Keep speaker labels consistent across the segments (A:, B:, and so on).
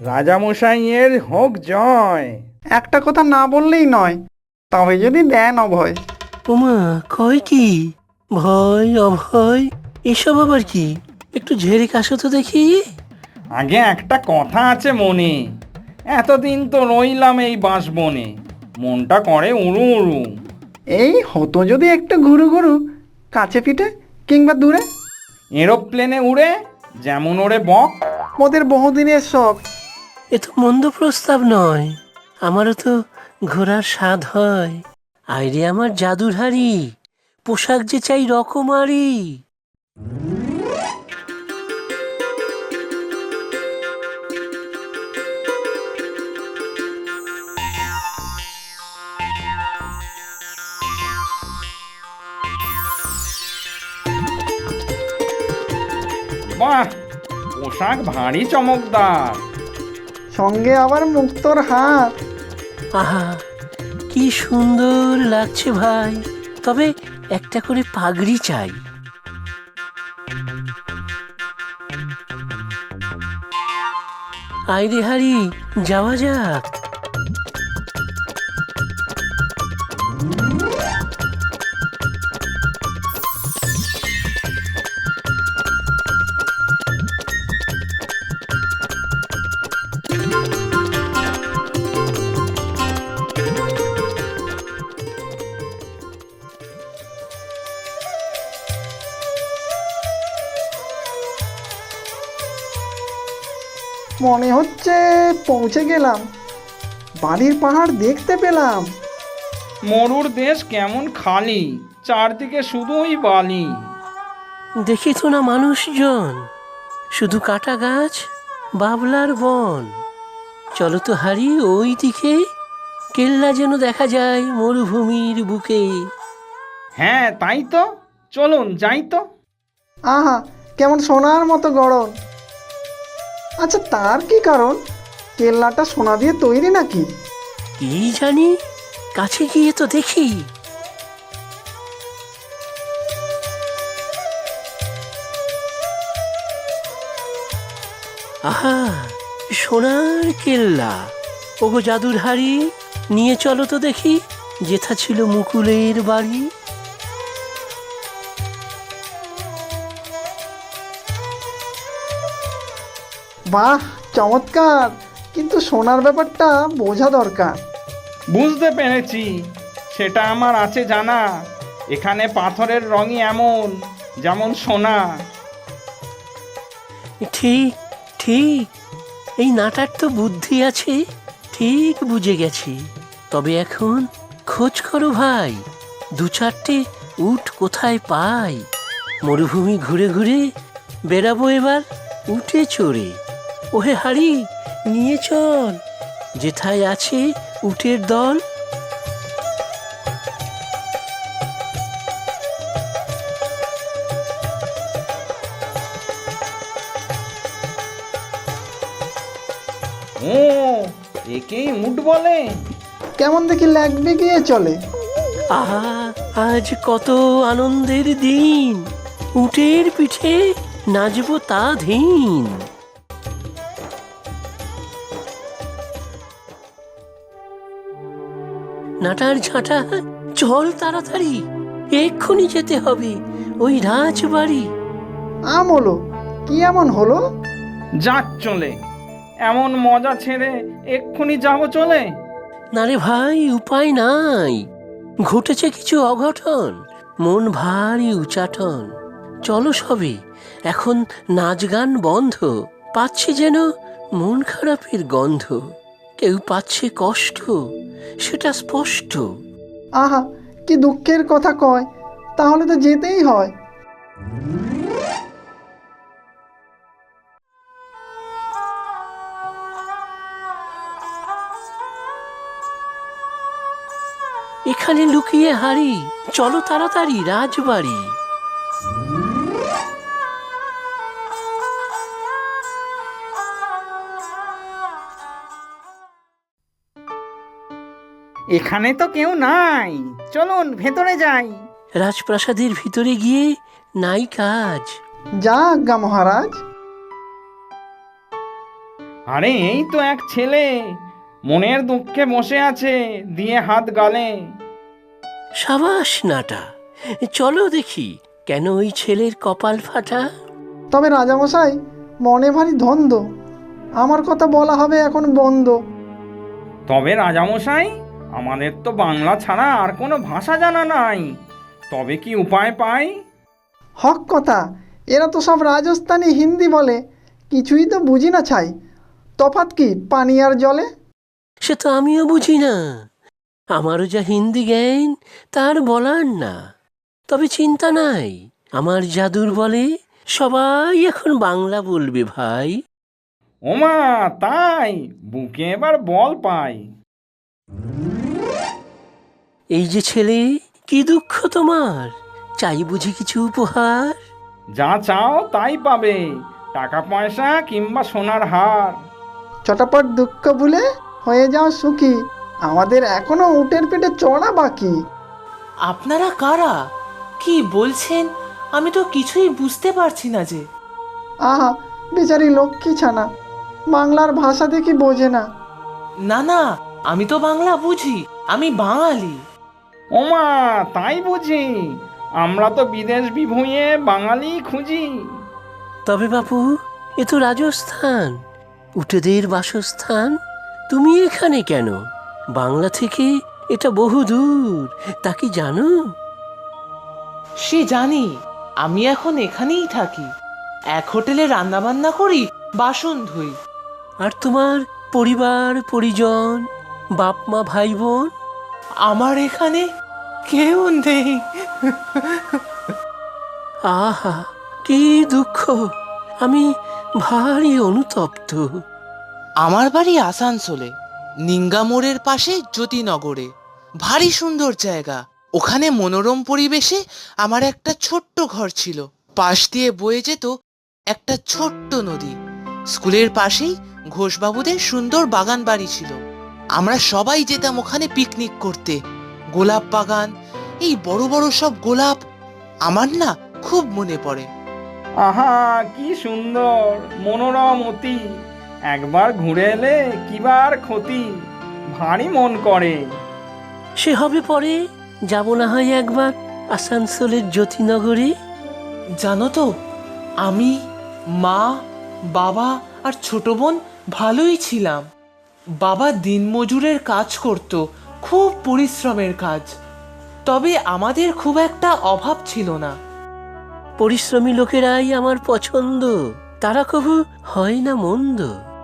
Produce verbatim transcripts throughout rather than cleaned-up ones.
A: রাজামশাইয়ের হোক জয়।
B: একটা কথা না বললেই নয়, তবে যদি দেন অভয়।
C: ওমা, কয় কি? ভয় অভয় এসব আবার কি? একটু ঝেড়ে কাশো তো দেখি।
A: আগে একটা কথা আছে মনে, এতদিন তো রইলাম এই বাঁশবনে, মনটা করে উড়ু উড়ু।
B: এই হতো যদি একটু ঘুরু ঘুরু, কাছে পিঠে কিংবা দূরে।
A: এরোপ্লেনে উড়ে যেমন ওড়ে বক।
B: ওদের বহুদিনের শখ।
C: এ তো মন্দ প্রস্তাব নয়, আমারও তো ঘোরার স্বাদ হয়। আইরে আমার জাদুর হাড়ি, পোশাক যে চাই রকমারি।
A: বাহ, পোশাক ভারী চমকদার।
B: সঙ্গে আবার মুক্তোর হাত।
C: আহা, কি সুন্দর লাগছে ভাই। তবে একটা করে পাগড়ি চাই। আইরে হারি, যাওয়া যাক।
B: মনে হচ্ছে পৌঁছে গেলাম, বালির পাহাড় দেখতে পেলাম।
A: মরুর দেশ কেমন খালি, চারদিকে শুধুই বালি।
C: দেখি তো না মানুষজন, শুধু কাটা গাছ, বাবলার বন। চলো তো হারি ওই দিকে, কেল্লা যেন দেখা যায় মরুভূমির বুকে।
A: হ্যাঁ তাই তো, চলুন যাই তো।
B: আহা, কেমন সোনার মতো গড়ন। আচ্ছা, তার কি কারণ? কেল্লাটা সোনা দিয়ে তৈরি নাকি?
C: কি জানি, কাছে গিয়ে তো দেখি। আহা, সোনার কেল্লা। ওগো জাদুর হাড়ি, নিয়ে চলো তো দেখি, যেথা ছিল মুকুলের বাড়ি।
B: বাহ, চমৎকার, কিন্তু সোনার ব্যাপারটা বোঝা দরকার।
A: বুঝতে পেরেছি, সেটা আমার আছে জানা। এখানে পাথরের রঙই এমন, যেমন সোনা।
C: ঠিক ঠিক, এই নাটার তো বুদ্ধি আছে, ঠিক বুঝে গেছি। তবে এখন খোঁজ করো ভাই, দু চারটে উট কোথায় পাই। মরুভূমি ঘুরে ঘুরে বেরাবো এবার উঠে চড়ে। ওহে হাড়ি, নিয়ে চল, যেথায় আছে উটের দল।
A: ও, একেই উঠ বলে?
B: কেমন দেখি লাগবে গিয়ে চলে।
C: আহা, আজ কত আনন্দের দিন, উটের পিঠে নাচবো তা ধীন। নাটার ঝাঁটা, চল তাড়াতাড়ি, এক্ষুনি যেতে হবে ওই রাজবাড়ি।
B: আমলো, কি এমন হলো?
A: যাক চলে, এমন মজা ছেড়ে এক্ষুনি যাবো চলে?
C: না রে ভাই, উপায় নাই, ঘটেছে কিছু অঘটন, মন ভারী উচাটন। চলো সবে, এখন নাচ গান বন্ধ, পাচ্ছি যেন মন খারাপের গন্ধ। কেউ পাচ্ছে কষ্ট, সেটা স্পষ্ট।
B: আহা, কি দুঃখের কথা কয়, তাহলে তো যেতেই হয়।
C: এখানে লুকিয়ে হারি, চলো তাড়াতাড়ি রাজবাড়ি।
A: এখানে তো কেউ নাই, চলুন ভেতরে যাই।
C: রাজপ্রাসাদের ভিতরে গিয়ে নাই কাজ।
B: যা আজ্ঞা মহারাজ।
A: আরে এই তো এক ছেলে মনের দুঃখে বসে আছে, দিয়ে হাত গালে।
C: সাবাস নাটা, চলো দেখি কেন ওই ছেলের কপাল ফাটা।
B: তবে রাজামশাই, মনে ভারী ধন্দ, আমার কথা বলা হবে এখন বন্ধ।
A: তবে রাজামশাই, আমাদের তো বাংলা ছাড়া আর কোনো ভাষা জানা নাই, তবে কি উপায় পাই?
B: হক কথা, এরা তো সব রাজস্থানি হিন্দি বলে, কিছুই তো বুঝি না ছাই। তফাৎ কি পানি আর জলে?
C: সে তো আমিও বুঝি না, আমারও যা হিন্দি জ্ঞান তার বলার না। তবে চিন্তা নাই, আমার জাদুর বলে সবাই এখন বাংলা বলবে ভাই।
A: ওমা তাই, বুকে এবার বল পাই।
C: এই যে ছেলে, কি দুঃখ তোমার, চাই বুঝি কিছু উপহার?
A: যা চাও তাই পাবে, টাকা পয়সা কিংবা সোনার হার।
B: চটাপট দুঃখ ভুলে হয়ে যাও সুখী, আমাদের এখনো উটের পেটে চড়া বাকি।
D: আপনারা কারা? কি বলছেন? আমি তো কিছুই বুঝতে পারছি না যে।
B: আহা, বেচারি লক্ষ্মী ছানা, বাংলার ভাষা দেখি বোঝে না।
D: না না, আমি তো বাংলা বুঝি, আমি বাঙালি।
A: ওমা তাই বুঝি, আমরা তো বিদেশ বিভুঁইয়ে বাঙালি খুঁজি।
C: তবে বাপু, এ তো রাজস্থান, উটেদের বাসস্থান। তুমি এখানে কেন? বাংলা থেকে এটা বহু দূর, তা কি জানো?
D: সে জানি, আমি এখন এখানেই থাকি, এক হোটেলে রান্না বান্না করি, বাসন ধুই।
C: আর তোমার পরিবার পরিজন, বাপ মা ভাই বোন?
D: আমার এখানে কেউ নেই।
C: আহা, কি দুঃখ, আমি ভারী অনুতপ্ত।
D: আমার বাড়ি আসানসোলে, নিঙ্গা মোড়ের পাশে জ্যোতিনগরে। ভারী সুন্দর জায়গা, ওখানে মনোরম পরিবেশে আমার একটা ছোট্ট ঘর ছিল। পাশ দিয়ে বয়ে যেত একটা ছোট্ট নদী। স্কুলের পাশেই ঘোষবাবুদের সুন্দর বাগান বাড়ি ছিল। আমরা সবাই যেতাম ওখানে পিকনিক করতে। গোলাপ বাগান, এই বড় বড় সব গোলাপ, আমার না খুব মনে পড়ে।
A: আহা কি সুন্দর মনোরম অতি, একবার ঘুরে এলে কিবার ক্ষতি, ভারী মন করে।
C: সে হবে পরে, যাব না হয় একবার আসানসোলের জ্যোতিনগরে।
D: জানো তো, আমি, মা, বাবা আর ছোট বোন ভালোই ছিলাম। বাবা দিনমজুরের কাজ করত, খুব পরিশ্রমের কাজ। তবে আমাদের খুব একটা অভাব ছিল না।
C: পরিশ্রমী লোকেরাই আমার পছন্দ, তারা কবু হয় না মন্দ।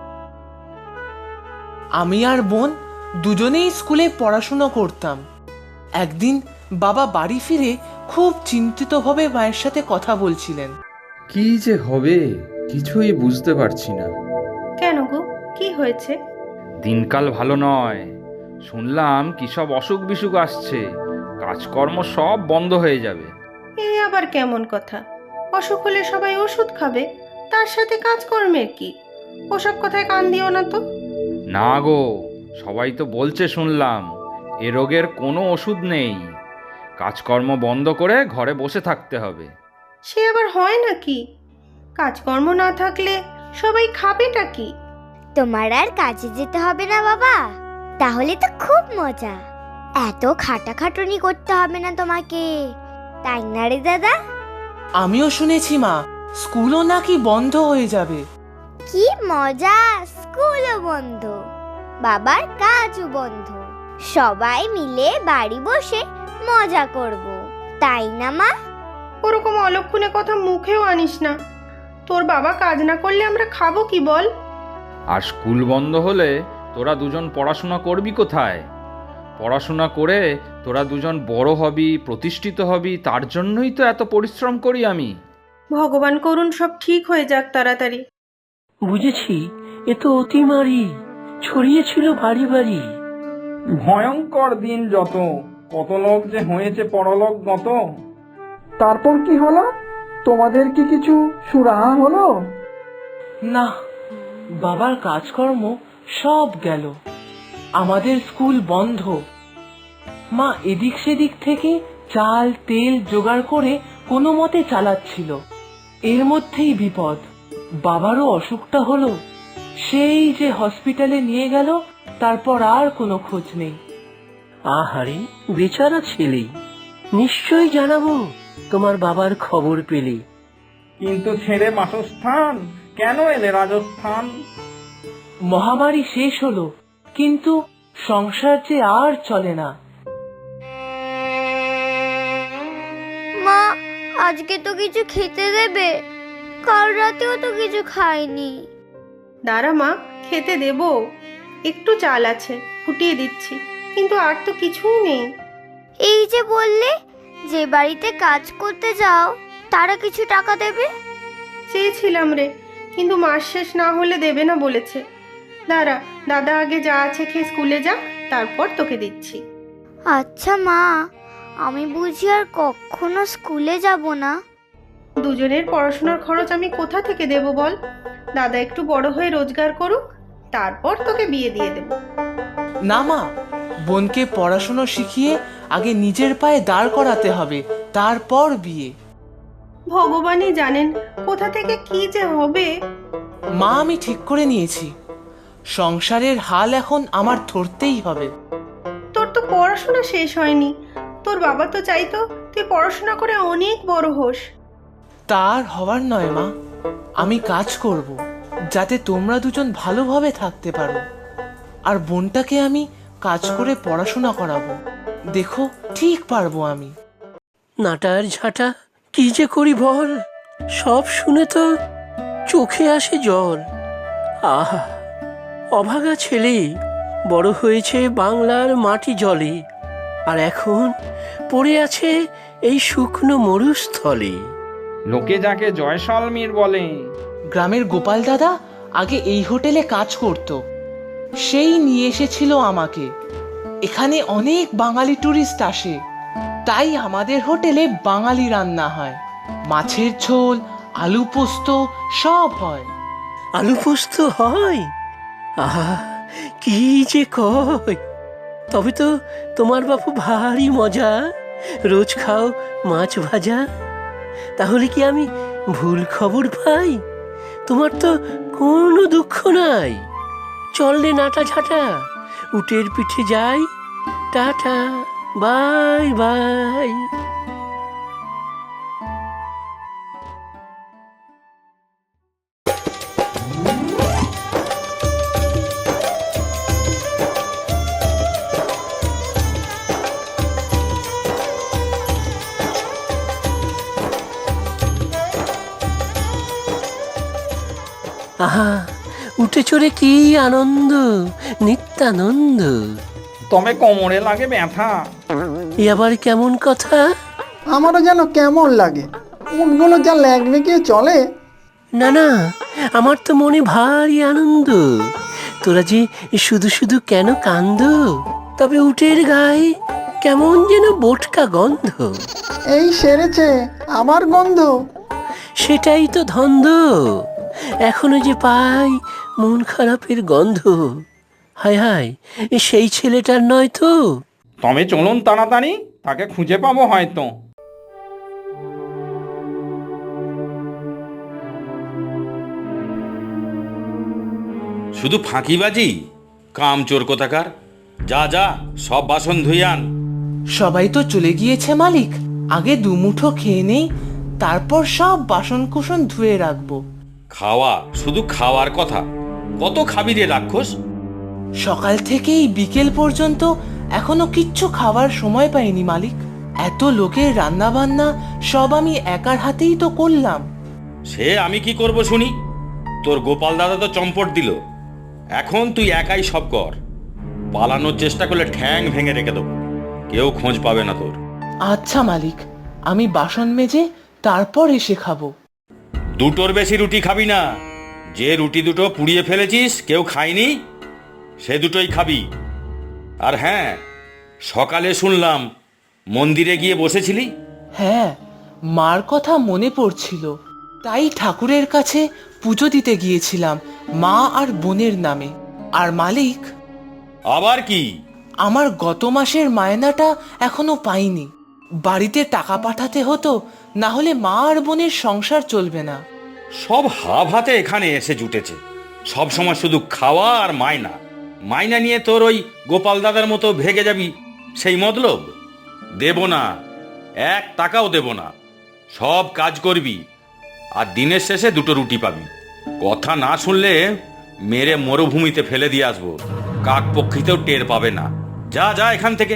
D: আমি আর বোন দুজনেই স্কুলে পড়াশুনো করতাম। একদিন বাবা বাড়ি ফিরে খুব চিন্তিতভাবে মায়ের সাথে কথা বলছিলেন।
A: কি যে হবে কিছুই বুঝতে পারছি না।
E: কেন গো, কি হয়েছে?
A: দিনকাল ভালো নয়, শুনলাম কি সব অসুখ বিসুখ আসছে, কাজকর্ম সব বন্ধ হয়ে যাবে।
E: এ আবার কেমন কথা? অসুখ হলে সবাই ওষুধ খাবে, তার সাথে কাজকর্মের কি? ওসব কথায় কান দিও না তো।
A: না গো, সবাই তো বলছে শুনলাম এ রোগের কোনো ওষুধ নেই, কাজকর্ম বন্ধ করে ঘরে বসে থাকতে হবে।
E: সে আবার হয় নাকি? কাজকর্ম না থাকলে সবাই খাবেটা কি?
F: তোমার আর কাজে যেতে হবে না বাবা, তাহলে তো খুব মজা। এত খাটাখাটুনি করতে হবে না তোমাকে, তাই না রে দাদা?
D: আমিও শুনেছি মা, স্কুলও নাকি বন্ধ হয়ে যাবে।
F: কি মজা, স্কুলও বন্ধ, বাবার কাজও বন্ধ, সবাই মিলে বাড়ি বসে মজা করব, তাই না মা?
E: ওরকম অলক্ষণে কথা মুখেও আনিস না। তোর বাবা কাজ না করলে আমরা খাবো কি বল?
A: আর স্কুল বন্ধ হলে তোরা দুজন পড়াশোনা করবি কোথায়? পড়াশোনা করে তোরা দুজন বড় হবি, প্রতিষ্ঠিত হবি, তার জন্যই তো এত পরিশ্রম করি আমি।
E: ভগবান করুন সব ঠিক হয়ে যাক তাড়াতাড়ি।
C: বুঝেছি, এ তো অতিমারি, ছড়িয়েছিল বাড়ি বাড়ি।
A: ভয়ঙ্কর দিন যত, কত লোক যে হয়েছে পরলোক গত।
B: তারপর কি হলো? তোমাদের কি কিছু সুরাহা হলো?
D: না, বাবার কাজকর্ম সব গেল। আমাদের স্কুল বন্ধ। মা এদিক সেদিক থেকে চাল তেল জোগাড় করে কোনো মতে চালাচ্ছিল। এর মধ্যেই বিপদ, বাবারও অসুখটা হলো। সেই যে হসপিটালে নিয়ে গেল, তারপর আর কোনো খোঁজ নেই।
C: আহারে বেচারা ছেলে, নিশ্চয়ই জানাবো তোমার বাবার খবর পেলে।
A: কিন্তু ছেড়ে বাসস্থান কেন এলে রাজস্থান?
D: মহামারী শেষ হলো, কিন্তু সংসার যে আর চলে না।
F: মা, আজকে তো কিছু খেতে দেবে? কাল রাতেও তো কিছু খাইনি।
E: দাঁড়া মা, খেতে দেব। একটু চাল আছে, ফুটিয়ে দিচ্ছি, কিন্তু আর তো কিছুই নেই।
F: এই যে বললে যে বাড়িতে কাজ করতে যাও তারা কিছু টাকা দেবে।
E: চেয়েছিলাম রে, কিন্তু মাস শেষ না হলে দেবে না বলেছে। দাঁড়া, দাদা আগে যা আছে খেয়ে স্কুলে যাক, তারপর তোকে দিচ্ছি।
F: আচ্ছা মা, আমি বুঝি আর কখনো স্কুলে যাব না?
E: দুজনের পড়াশোনার খরচ আমি কোথা থেকে দেব বল? দাদা একটু বড় হয়ে রোজগার করুক, তারপর তোকে বিয়ে দিয়ে দেব।
D: না মা, বোনকে পড়াশুনো শিখিয়ে আগে নিজের পায়ে দাঁড় করাতে হবে, তারপর বিয়ে।
E: ভগবানই জানেন কোথা থেকে কি যে হবে।
D: মা, আমি ঠিক করে নিয়েছি, সংসারের হাল এখন আমার ধরতেই হবে।
E: তোর তো পড়াশোনা শেষ হয়নি। তোর বাবা তো চাইতো তুই পড়াশোনা করে অনেক বড় হোস।
D: তার হওয়ার নয় মা, আমি কাজ করব যাতে তোমরা দুজন ভালোভাবে থাকতে পারো, আর বোনটাকে আমি কাজ করে পড়াশোনা করাবো। দেখো, ঠিক পারবো আমি।
C: নাটার ঝাঁটা কি যে করি বল, সব শুনে তো চোখে আসে জল। আহা, অভাগা ছেলে বড় হয়েছে বাংলার মাটি জলে, আর এখন পড়ে আছে এই শুকনো মরুস্থলে।
A: লোকে যাকে জয়সালমীর বলে।
D: গ্রামের গোপাল দাদা আগে এই হোটেলে কাজ করত, সেই নিয়ে এসেছিল আমাকে। এখানে অনেক বাঙালি টুরিস্ট আসে, তাই আমাদের হোটেলে বাঙালি রান্না হয়। মাছের ঝোল, আলু পোস্ত সব হয়।
C: আলু পোস্ত হয়? আহা, কি যে কয়! তবে তো তোমার বাপু ভারী মজা, রোজ খাও মাছ ভাজা। তাহলে কি আমি ভুল খবর পাই? তোমার তো কোনো দুঃখ নাই। চল রে নাটা ঝাঁটা, উটের পিঠে যাই। Tata, bye bye. আহা, উঠে চড়ে কি আনন্দ, নিত্যানন্দ।
A: তবে কোমরে লাগে ব্যথা।
C: এ আবার কেমন কথা?
B: আমারও যেন কেমন লাগে, উটগুলো যা লাগবে কি চলে।
C: না না, আমার তো মনে ভারী আনন্দ। তোরা যে শুধু শুধু কেন কান্দ? তবে উটের গায়ে কেমন যেন বোটকা গন্ধ।
B: এই সেরেছে আবার গন্ধ।
C: সেটাই তো ধন্দ, এখনো যে পাই মন খারাপের গন্ধ। হায় হায়, সেই ছেলেটার নয় তো?
A: তবে চলুন তাড়াতাড়ি, তাকে খুঁজে পাবো হয়তো।
G: শুধু ফাঁকিবাজি, কামচোর কোথাকার। যা যা, সব বাসন ধুই আন।
D: সবাই তো চলে গিয়েছে মালিক, আগে দুমুঠো খেয়ে নেই, তারপর সব বাসন কুসন ধুয়ে রাখবো।
G: খাওয়া, শুধু খাওয়ার কথা। কত খাবি রে রাক্ষস?
D: সকাল থেকেই বিকেল পর্যন্ত এখনো কিচ্ছু খাওয়ার সময় পাইনি মালিক। এত লোকের রান্না বান্না সব আমি একার হাতেই তো করলাম।
G: সে আমি কি করব শুনি? তোর গোপাল দাদা তো চম্পট দিল, এখন তুই একাই সব কর। পালানোর চেষ্টা করলে ঠ্যাং ভেঙে রেখে দেবো, কেউ খোঁজ পাবে না তোর।
D: আচ্ছা মালিক, আমি বাসন মেজে তারপর এসে খাবো।
G: দুটোর বেশি রুটি খাবি না। যে রুটি দুটো পুড়িয়ে ফেলেছিস, কেউ খায়নি, সে দুটোই খাবি। আর হ্যাঁ, সকালে শুনলাম মন্দিরে গিয়ে বসেছিলি।
D: হ্যাঁ, মার কথা মনে পড়ছিল, তাই ঠাকুরের কাছে পুজো দিতে গিয়েছিলাম মা আর বোনের নামে। আর মালিক,
G: আবার কি?
D: আমার গত মাসের মায়নাটা এখনো পাইনি। বাড়িতে টাকা পাঠাতে হতো, না হলে মা আর বোনের সংসার চলবে না।
G: সব হাব হাতে এখানে এসে জুটেছে, সব সময় শুধু খাওয়া আর মায়না মাইনা নিয়ে তোর ওই গোপাল দাদার মতো ভেগে যাবি সেই মতলব? দেব না, এক টাকাও দেব না। সব কাজ করবি আর দিনের শেষে দুটো রুটি পাবি। কথা না শুনলে মেরে মরুভূমিতে ফেলে দিয়ে আসবো, কাক পক্ষীতেও টের পাবে না। যা যা এখান থেকে।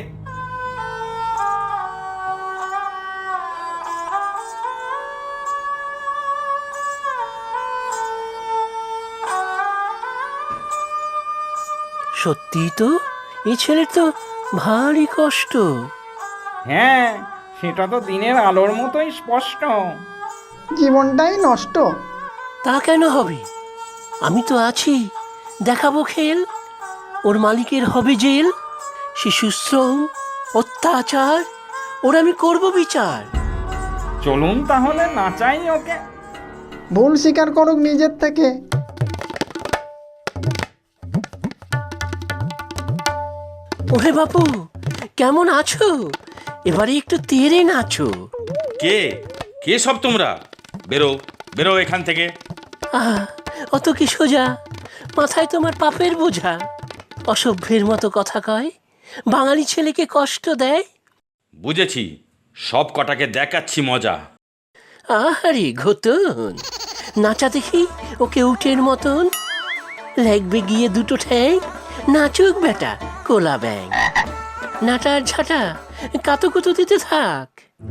C: সত্যি তো, এই ছেলের তো ভারী কষ্ট।
A: হ্যাঁ, সেটা তো দিনের আলোর মতোই স্পষ্ট।
B: জীবনটাই নষ্ট।
C: তা কেন হবে? আমি তো আছি, দেখাবো খেল। ওর মালিকের হবে জেল। শিশুশ্রম, অত্যাচার, ওর আমি করব বিচার।
A: চলুন তাহলে নাচাই ওকে।
B: ভুল স্বীকার করুক নিজের থেকে।
C: ওহে বাপু, কেমন আছো? এবারে একটু তেরে নাচো।
G: কে কে সব তোমরা? বেরো বেরো এখান থেকে।
C: আহা, অত কি সোজা? মাথায় তোমার পাপের বোঝা। অসভ্যের মতো কথা কয়, বাঙালি ছেলেকে কষ্ট দেয়।
G: বুঝেছি, সব কটাকে দেখাচ্ছি মজা।
C: আহারে ঘতন, নাচা দেখি ওকে উঠের মতন। লাগবে গিয়ে দুটো ঠ্যাং, নাচুক বেটা কোলা ব্যাং। নাটার ঝাঁটা কাতুকুতু দিতে থাক।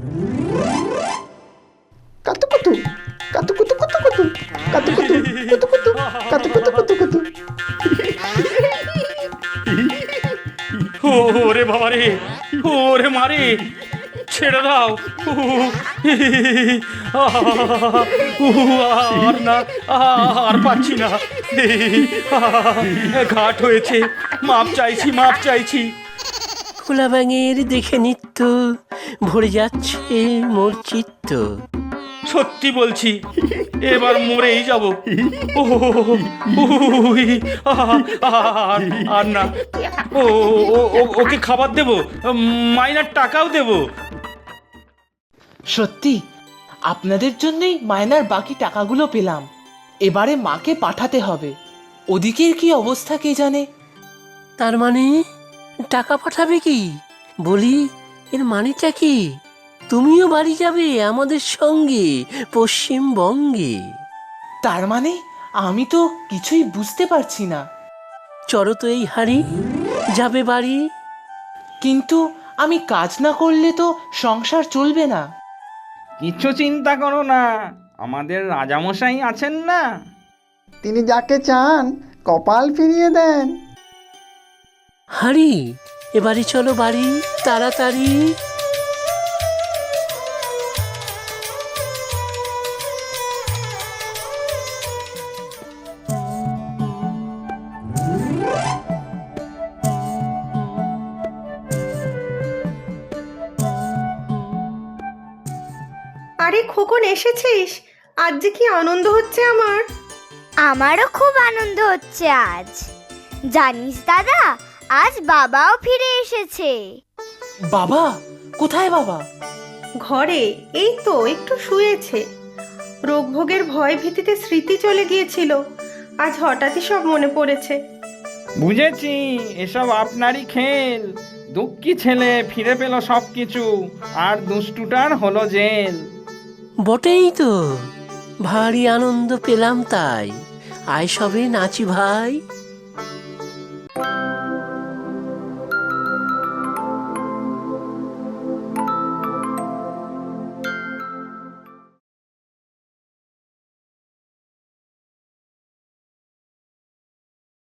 B: কাতুকুতু কাতুকুতু কুতুকুতু কাতুকুতু কুতুকুতু কাতুকুতু কুতুকুতু।
G: ওরে বাবা রে, ওরে মারে, ছেড়ে দাও। আর না, আর পাচ্ছি না। ঘাট হয়েছে, মাপ চাইছি, মাপ চাইছি।
C: কোলা ব্যাঙের দেখে নিত্য ভরে যাচ্ছে মোর চিত্ত।
G: সত্যি বলছি, এবার মরেই যাব। আর না, ও ওকে খাবার দেবো, মাইনার টাকাও দেবো।
D: সত্যি আপনাদের জন্যই মায়নার বাকি টাকাগুলো পেলাম। এবারে মাকে পাঠাতে হবে। ওদিকের কি অবস্থা কে জানে।
C: তার মানে টাকা পাঠাবে কি? বলি, এর মানেটা কি? তুমিও বাড়ি যাবে আমাদের সঙ্গে পশ্চিমবঙ্গে?
D: তার মানে আমি তো কিছুই বুঝতে পারছি না।
C: চড়ো তো এই হাড়ি, যাবে বাড়ি।
D: কিন্তু আমি কাজ না করলে তো সংসার চলবে না।
A: কিছু চিন্তা করো না, আমাদের রাজামশাই আছেন না।
B: তিনি যাকে চান কপাল ফিরিয়ে দেন।
C: হাড়ি, এবারে চলো বাড়ি তাড়াতাড়ি।
E: আরে খোকন, এসেছিস? আজ যে কি আনন্দ হচ্ছে আমার।
F: আমারও খুব আনন্দ হচ্ছে আজ। জানিস দাদা, আজ বাবাও ফিরে এসেছে।
D: বাবা? কোথায় বাবা?
E: ঘরে, এই তো একটু শুয়েছে। রোগভোগের ভয় ভীতিতে স্মৃতি চলে গিয়েছিল, আজ হঠাৎই সব মনে পড়েছে।
A: বুঝেছি, এসব আপনারই খেল। দুঃখী ছেলে ফিরে পেল সব কিছু, আর দুষ্টুটার হলো জেল।
C: বটেই তো, ভারী আনন্দ পেলাম তাই। আয় সবে নাচি ভাই।